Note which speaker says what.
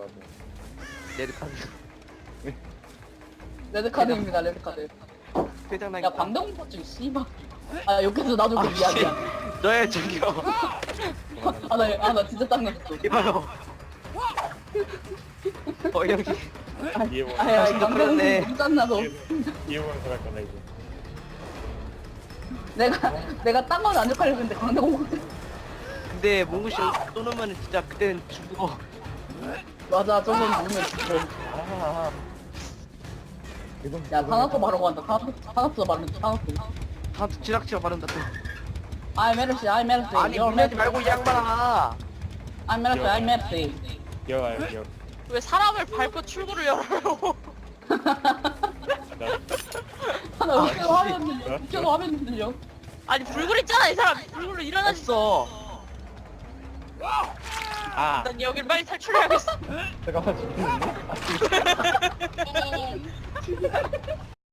Speaker 1: 나도.
Speaker 2: 레드카드.
Speaker 3: 레드카드입니다, 레드카드.
Speaker 2: 회장난.
Speaker 3: 야, 방정포증, 씨발. 아, 욕해서 나도 그 미안이야.
Speaker 2: 너의 저기요.
Speaker 3: 나 진짜 짱났어.
Speaker 2: 이봐요. 여기.
Speaker 1: 이해원.
Speaker 3: 야,
Speaker 2: 당신도 그러네.
Speaker 3: 방정포증 짱나서.
Speaker 1: 이해원 살할 거네 이거.
Speaker 3: 내가 딴 건 안 욕하려고 했는데, 방정포증.
Speaker 2: 근데 몽구씨 쏘놓으면 진짜 그때는 죽어.
Speaker 3: 맞아, 저건 누르면 죽어.
Speaker 1: 아.
Speaker 3: 야, 산악도 바로 간다. 산악도 바로 산악도.
Speaker 2: 다 지락치가 바른다 또.
Speaker 3: I'm Mercy, I'm Mercy.
Speaker 2: 아니 물내지 말고 이 양반아.
Speaker 3: I'm Mercy, I'm Mercy.
Speaker 1: 여.
Speaker 4: 왜 사람을 밟고 출구를 열어요?
Speaker 3: 나 웃겨도 화면 들려. 웃겨도 화면 들려.
Speaker 4: 아니 불굴 있잖아 이 사람. 불굴로 일어나지.
Speaker 2: 했어.
Speaker 1: 아.
Speaker 4: 난 여길 빨리 탈출해야겠어.
Speaker 1: 잠깐만 죽겠는데?